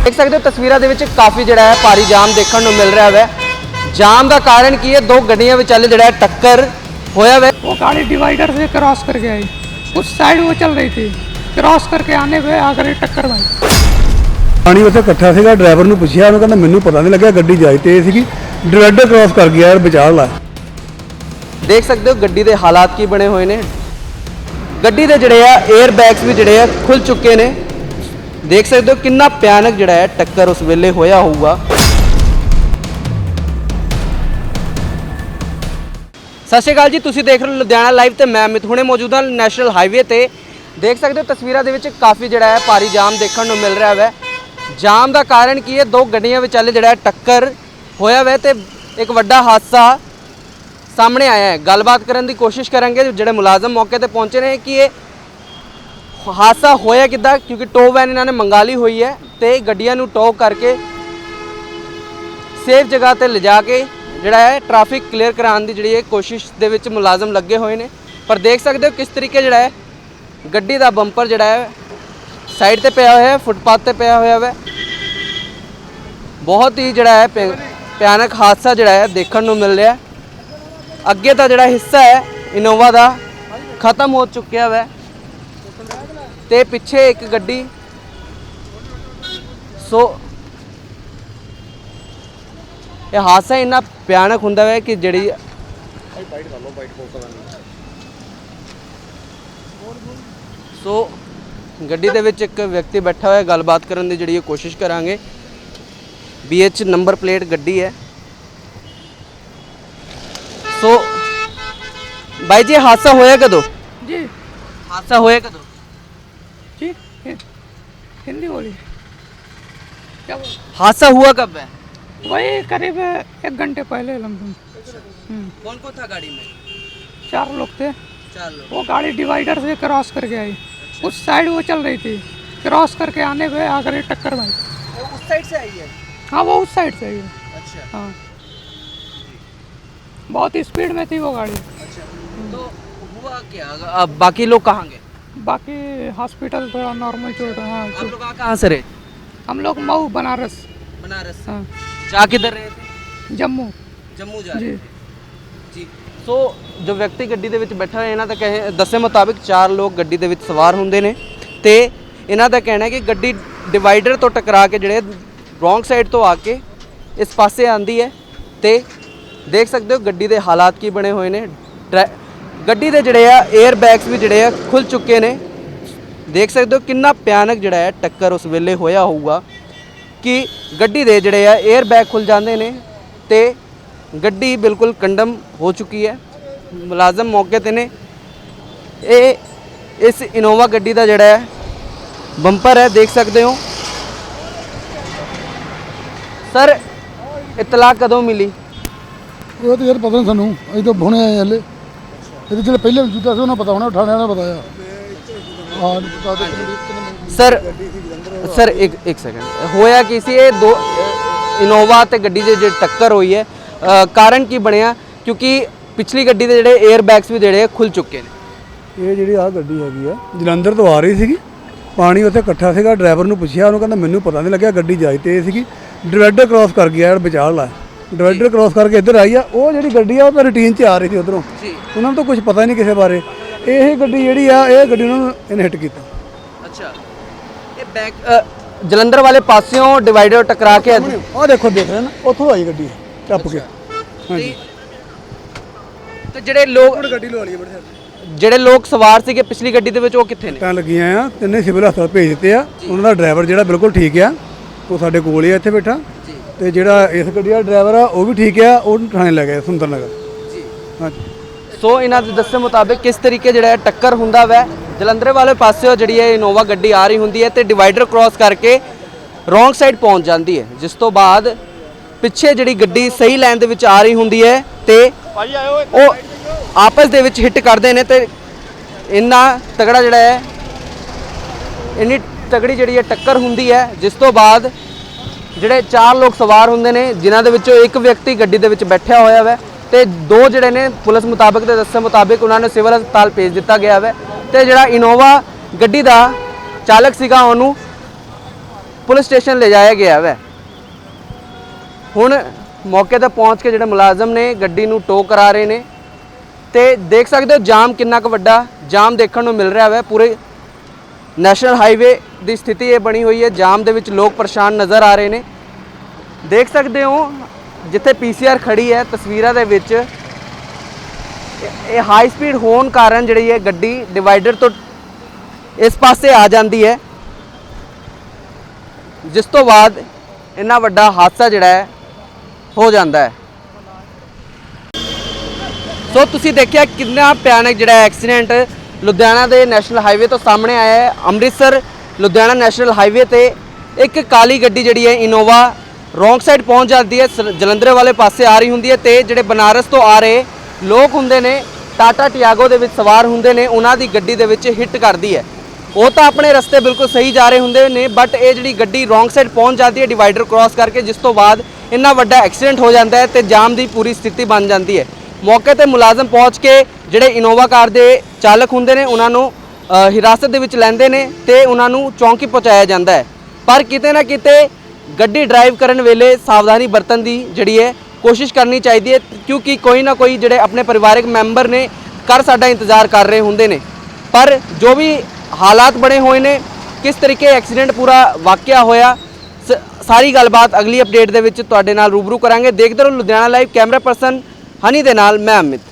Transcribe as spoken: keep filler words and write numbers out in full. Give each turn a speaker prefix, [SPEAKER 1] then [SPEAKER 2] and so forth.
[SPEAKER 1] देख सकते हो तस्वीरों के विच काफ़ी जिहड़ा है भारी जाम देखने को मिल रहा है। जाम का कारण की है, दो गड्डियां विचाले जिहड़ा है टक्कर होया है।
[SPEAKER 2] वो गाड़ी डिवाइडर से क्रॉस करके आई, उस साइड वो चल रही थी, क्रॉस करके आने पे आकर टक्कर मारी।
[SPEAKER 3] पानी उत्थे इकट्ठा सीगा, ड्राइवर नूं पुछया, उन्होंने कहना मैनूं पता नहीं लग्या, गड्डी जाई तेज सीगी, डिवाइडर क्रॉस कर गया यार, बचा ला।
[SPEAKER 1] देख सकते हो गड्डी के हालात की बने हुए ने। गड्डी के जिहड़े आ एयर बैग्स भी जिहड़े आ खुल चुके ने। देख सकते हो कितना भयानक जिहड़ा है टक्कर उस वेले होया होऊगा। सत श्री अकाल जी, तुसीं देख रहे हो लुधियाना लाइव ते मैं अमित हुणे मौजूद हाँ नैशनल हाईवे ते। देख सकते हो तस्वीरों के विच काफ़ी जिहड़ा है भारी जाम देखने को मिल रहा है। जाम का कारण की है, दो गड्डियां विचाले जिहड़ा टक्कर होया है ते एक वड्डा हादसा सामने आया है। गलबात करने की कोशिश करेंगे जिहड़े मुलाजम मौके पर पहुंचे ने कि ये हादसा होया किद्दां, क्योंकि टो वैन इन्होंने मंगा ली हुई है तो गड्डियां नूं टो करके सेफ जगह पर लिजा के जिहड़ा है ट्रैफिक क्लीयर कराने की जिहड़ी कोशिश दे विच मुलाजम लगे हुए हैं। पर देख सकते हो किस तरीके जिहड़ा है गड्डी का बंपर जिहड़ा है साइड ते पिया होया है, फुटपाथ ते पिया होया है। बहुत ही जिहड़ा है भयानक हादसा जिहड़ा है देखने को मिल रहा है। अगे का जिहड़ा हिस्सा है इनोवा का खत्म हो चुका है ते पिछे एक गड्डी। सो ये हादसा इन्ना भयानक हुंदा है कि जिहड़ी सो गड्डी दे विच एक व्यक्ति बैठा हुआ है, गलबात करने की जिहड़ी कोशिश करांगे। बी एच नंबर प्लेट गड्डी है। सो भाई जी हादसा होया कदों?
[SPEAKER 2] जी
[SPEAKER 1] हादसा होया कदों?
[SPEAKER 2] जी हिंदी बोली क्या बोल?
[SPEAKER 1] हादसा हुआ कब है?
[SPEAKER 2] वही करीब एक घंटे पहले लमसम।
[SPEAKER 1] कौन कौन था गाड़ी में?
[SPEAKER 2] चार लोग थे।
[SPEAKER 1] चार लोग।
[SPEAKER 2] वो गाड़ी डिवाइडर से क्रॉस करके आई, उस साइड वो चल रही थी, क्रॉस करके आने पे आकर टक्कर मारी।
[SPEAKER 1] वो उस साइड से आई है?
[SPEAKER 2] हाँ वो उस साइड से आई है।
[SPEAKER 1] अच्छा।
[SPEAKER 2] हाँ बहुत स्पीड में थी वो गाड़ी।
[SPEAKER 1] अच्छा, तो हुआ क्या? अब बाकी लोग कहाँ गए?
[SPEAKER 2] बाकी हॉस्पिटल थोड़ा नॉर्मल चोट। हाँ
[SPEAKER 1] आप लोग कहाँ से रहे?
[SPEAKER 2] हम लोग मऊ बनारस।
[SPEAKER 1] बनारस।
[SPEAKER 2] हाँ
[SPEAKER 1] जा किधर रहे थे?
[SPEAKER 2] जम्मू।
[SPEAKER 1] जम्मू जा
[SPEAKER 2] जी
[SPEAKER 1] रहे थे जी। सो जो व्यक्ति गड्डी ਦੇ ਵਿੱਚ बैठा है, इन्हों का कहे दस्से मुताबिक चार लोग गड्डी ਦੇ ਵਿੱਚ सवार होंगे ने ते इन्हों का कहना है कि गड्डी डिवाइडर तो टकरा के जिहड़े रॉन्ग साइड तो आके इस पासे आंदी है। तो देख सकते हो गड्डी के हालात की बने हुए ने। गड्डी के जिहड़े आ एयर बैग्स भी जिहड़े आ खुल चुके ने। देख सकते हो कितना भयानक जिहड़ा है टक्कर उस वेले होया होऊगा कि गड्डी दे जिहड़े आ एयर बैग खुल जाते हैं तो गड्डी बिल्कुल कंडम हो चुकी है। मुलाजम मौके ते ने। ये इस इनोवा गड्डी का जिहड़ा है बंपर है, देख सकते हो। सर इतला कदों मिली?
[SPEAKER 3] वो तो यार पता नहीं सानू, अभी तो हुणे आए हले। ये जो पहले जुता से उन्हें पता होना, उठाने वाला बताया।
[SPEAKER 1] सर सर एक एक सेकंड होया किसी ये दो इनोवा ते गड्डी दे जिहड़ी टक्कर हुई है, आ, कारण की बनया? क्योंकि पिछली गड्डी के जिहड़े एयर बैग्स भी जिहड़े खुल चुके हैं।
[SPEAKER 3] ये जी आ गड्डी हैगी आ जलंधर तो आ रही सीगी, पानी उत्थे इकट्ठा सीगा, ड्राइवर नूं पुछया, उन्होंने कहना मैनूं पता नहीं लग्या, गड्डी जाई तेज सीगी, डिवाइडर क्रॉस कर गया यार, बचा ला। डिवाइडर क्रॉस करके इधर आई आ। वो जी गड्डी आ तो रूटीन च आ रही थी उधरों, उन्होंने तो कुछ पता नहीं किसी बारे। यही गड्डी जी आ ये गड्डी उन्होंने हिट किया।
[SPEAKER 1] अच्छा, ये बैग जलंधर वाले पासियों डिवाइडर टकरा के
[SPEAKER 3] आ देखो देख रहे हैं ना, उतों आई गड्डी टप के। हाँ जी,
[SPEAKER 1] तो ਜਿਹੜੇ ਲੋਕ
[SPEAKER 3] ਗੱਡੀ ਲਵਾ ਲਈ ਬੜੇ
[SPEAKER 1] ਜਿਹੜੇ ਲੋਕ ਸਵਾਰ ਸੀਗੇ ਪਿਛਲੀ ਗੱਡੀ ਦੇ ਵਿੱਚ ਉਹ ਕਿੱਥੇ ਨੇ?
[SPEAKER 3] ਤਾਂ ਲੱਗੀਆਂ ਆ, ਤਿੰਨੇ ਸਿਵਲ ਹਸਪਤਾਲ ਭੇਜ ਦਿੱਤੇ ਆ। ਉਹਨਾਂ ਦਾ ਡਰਾਈਵਰ ਜਿਹੜਾ ਬਿਲਕੁਲ ਠੀਕ ਆ, ਉਹ ਸਾਡੇ ਕੋਲ ਹੀ ਆ ਇੱਥੇ ਬੈਠਾ। ਤੇ ਜਿਹੜਾ ਇਸ ਗੱਡੀ ਦਾ ਡਰਾਈਵਰ ਆ ਉਹ ਵੀ ਠੀਕ ਆ, ਉਹ ਥਾਣੇ ਲੈ ਗਏ ਸੁੰਦਰ ਨਗਰ ਜੀ। ਹਾਂਜੀ।
[SPEAKER 1] ਸੋ ਇਹਨਾਂ ਦੇ ਦੱਸੇ ਮੁਤਾਬਿਕ ਕਿਸ ਤਰੀਕੇ ਜਿਹੜਾ ਟੱਕਰ ਹੁੰਦਾ ਵੈ, ਜਲੰਧਰ ਵਾਲੇ ਪਾਸਿਓਂ ਜਿਹੜੀ ਇਹ ਇਨੋਵਾ ਗੱਡੀ ਆ ਰਹੀ ਹੁੰਦੀ ਹੈ ਤੇ ਡਿਵਾਈਡਰ ਕ੍ਰਾਸ ਕਰਕੇ ਰੋਂਗ ਸਾਈਡ ਪਹੁੰਚ ਜਾਂਦੀ ਹੈ, ਜਿਸ ਤੋਂ ਬਾਅਦ ਪਿੱਛੇ ਜਿਹੜੀ ਗੱਡੀ ਸਹੀ ਲਾਈਨ ਦੇ ਵਿੱਚ ਆ ਰਹੀ ਹੁੰਦੀ ਹੈ ਤੇ ਉਹ आपस ਦੇ ਵਿੱਚ ਹਿੱਟ ਕਰਦੇ ਨੇ ਤੇ ਇੰਨਾ ਤਗੜਾ ਜਿਹੜਾ ਹੈ ਇੰਨੀ ਤਗੜੀ ਜਿਹੜੀ ਹੈ ਟੱਕਰ ਹੁੰਦੀ ਹੈ, ਜਿਸ ਤੋਂ ਬਾਅਦ ਜਿਹੜੇ ਚਾਰ ਲੋਕ ਸਵਾਰ ਹੁੰਦੇ ਨੇ, ਜਿਨ੍ਹਾਂ ਦੇ ਵਿੱਚੋਂ ਇੱਕ ਵਿਅਕਤੀ ਗੱਡੀ ਦੇ ਵਿੱਚ ਬੈਠਿਆ ਹੋਇਆ ਹੈ ਤੇ ਦੋ ਜਿਹੜੇ ਨੇ ਪੁਲਿਸ ਮੁਤਾਬਕ ਤੇ ਦੱਸੇ ਮੁਤਾਬਕ ਉਹਨਾਂ ਨੂੰ ਸਿਵਲ ਹਸਪਤਾਲ ਭੇਜ ਦਿੱਤਾ ਗਿਆ ਹੈ ਤੇ ਜਿਹੜਾ ਇਨੋਵਾ ਗੱਡੀ ਦਾ ਚਾਲਕ ਸੀਗਾ ਉਹਨੂੰ ਪੁਲਿਸ ਸਟੇਸ਼ਨ ਲਿਜਾਇਆ ਗਿਆ ਵੈ। ਹੁਣ ਮੌਕੇ ਤੇ ਪਹੁੰਚ ਕੇ ਜਿਹੜੇ ਮੁਲਾਜ਼ਮ ਨੇ ਗੱਡੀ ਨੂੰ ਟੋ ਕਰਾ ਰਹੇ ਨੇ ਤੇ ਦੇਖ ਸਕਦੇ ਹੋ ਜਾਮ ਕਿੰਨਾ ਕੁ ਵੱਡਾ ਜਾਮ ਦੇਖਣ ਨੂੰ ਮਿਲ ਰਿਹਾ ਵੈ। ਪੂਰੇ ਨੈਸ਼ਨਲ ਹਾਈਵੇ ਦੀ ਸਥਿਤੀ ਇਹ ਬਣੀ ਹੋਈ ਹੈ, ਜਾਮ ਦੇ ਵਿੱਚ ਲੋਕ ਪਰੇਸ਼ਾਨ ਨਜ਼ਰ ਆ ਰਹੇ ਨੇ। ਦੇਖ ਸਕਦੇ ਹੋ ਜਿੱਥੇ ਪੀਸੀਆਰ ਖੜੀ ਹੈ ਤਸਵੀਰਾਂ ਦੇ ਵਿੱਚ, ਇਹ ਹਾਈ ਸਪੀਡ ਹੋਣ ਕਾਰਨ ਜਿਹੜੀ ਹੈ ਗੱਡੀ ਡਿਵਾਈਡਰ ਤੋਂ ਇਸ ਪਾਸੇ ਆ ਜਾਂਦੀ ਹੈ, ਜਿਸ ਤੋਂ ਬਾਅਦ ਇੰਨਾ ਵੱਡਾ ਹਾਦਸਾ ਜਿਹੜਾ ਹੈ ਹੋ ਜਾਂਦਾ ਹੈ। ਸੋ ਤੁਸੀਂ ਦੇਖਿਆ ਕਿੰਨਾ ਭਿਆਨਕ ਜਿਹੜਾ ਐਕਸੀਡੈਂਟ ਲੁਧਿਆਣਾ ਦੇ ਨੈਸ਼ਨਲ ਹਾਈਵੇ ਤੋਂ ਸਾਹਮਣੇ ਆਇਆ ਹੈ। ਅੰਮ੍ਰਿਤਸਰ ਲੁਧਿਆਣਾ ਨੈਸ਼ਨਲ ਹਾਈਵੇ ਤੇ ਇੱਕ ਕਾਲੀ ਗੱਡੀ ਜਿਹੜੀ ਹੈ ਇਨੋਵਾ ਰੋਂਗ ਸਾਈਡ ਪਹੁੰਚ ਜਾਂਦੀ ਹੈ, ਸ- ਜਲੰਧਰ ਵਾਲੇ ਪਾਸੇ ਆ ਰਹੀ ਹੁੰਦੀ ਹੈ ਤੇ ਜਿਹੜੇ ਬਨਾਰਸ ਤੋਂ ਆ ਰਹੇ ਲੋਕ ਹੁੰਦੇ ਨੇ ਟਾਟਾ ਟਿਆਗੋ ਦੇ ਵਿੱਚ ਸਵਾਰ ਹੁੰਦੇ ਨੇ, ਉਹਨਾਂ ਦੀ ਗੱਡੀ ਦੇ ਵਿੱਚ ਹਿੱਟ ਕਰਦੀ ਹੈ। ਉਹ ਤਾਂ ਆਪਣੇ ਰਸਤੇ ਬਿਲਕੁਲ ਸਹੀ ਜਾ ਰਹੇ ਹੁੰਦੇ ਨੇ, ਬਟ ਇਹ ਜਿਹੜੀ ਗੱਡੀ ਰੋਂਗ ਸਾਈਡ ਪਹੁੰਚ ਜਾਂਦੀ ਹੈ ਡਿਵਾਈਡਰ ਕ੍ਰਾਸ ਕਰਕੇ, ਜਿਸ ਤੋਂ ਬਾਅਦ ਇੰਨਾ ਵੱਡਾ ਐਕਸੀਡੈਂਟ ਹੋ ਜਾਂਦਾ ਹੈ ਤੇ ਜਾਮ ਦੀ ਪੂਰੀ ਸਥਿਤੀ ਬਣ ਜਾਂਦੀ ਹੈ। ਮੌਕੇ ਤੇ ਮੁਲਾਜ਼ਮ ਪਹੁੰਚ ਕੇ ਜਿਹੜੇ ਇਨੋਵਾ ਕਾਰ ਦੇ ਚਾਲਕ ਹੁੰਦੇ ਨੇ ਉਹਨਾਂ ਨੂੰ ਅ, ਹਿਰਾਸਤ ਦੇ ਵਿੱਚ ਲੈਂਦੇ ਨੇ ਤੇ ਉਹਨਾਂ ਨੂੰ ਚੌਂਕੀ ਪਹੁੰਚਾਇਆ ਜਾਂਦਾ ਹੈ। ਪਰ ਕਿਤੇ ਨਾ ਕਿਤੇ ਗੱਡੀ ਡਰਾਈਵ ਕਰਨ ਵੇਲੇ ਸਾਵਧਾਨੀ ਵਰਤਣ ਦੀ ਜਿਹੜੀ ਹੈ ਕੋਸ਼ਿਸ਼ ਕਰਨੀ ਚਾਹੀਦੀ ਹੈ, ਕਿਉਂਕਿ ਕੋਈ ਨਾ ਕੋਈ ਜਿਹੜੇ ਆਪਣੇ ਪਰਿਵਾਰਕ ਮੈਂਬਰ ਨੇ ਘਰ ਸਾਡਾ ਇੰਤਜ਼ਾਰ ਕਰ ਰਹੇ ਹੁੰਦੇ ਨੇ। ਪਰ ਜੋ ਵੀ ਹਾਲਾਤ ਬਣੇ ਹੋਏ ਨੇ, ਕਿਸ ਤਰੀਕੇ ਐਕਸੀਡੈਂਟ ਪੂਰਾ ਵਾਕਿਆ ਹੋਇਆ, ਸ- ਸਾਰੀ ਗੱਲਬਾਤ ਅਗਲੀ ਅਪਡੇਟ ਦੇ ਵਿੱਚ ਤੁਹਾਡੇ ਨਾਲ ਰੂਬਰੂ ਕਰਾਂਗੇ। ਦੇਖਦੇ ਰਹੋ Ludhiana live. Camera person Honey ਦੇ ਨਾਲ ਮੈਂ ਅਮਿਤ।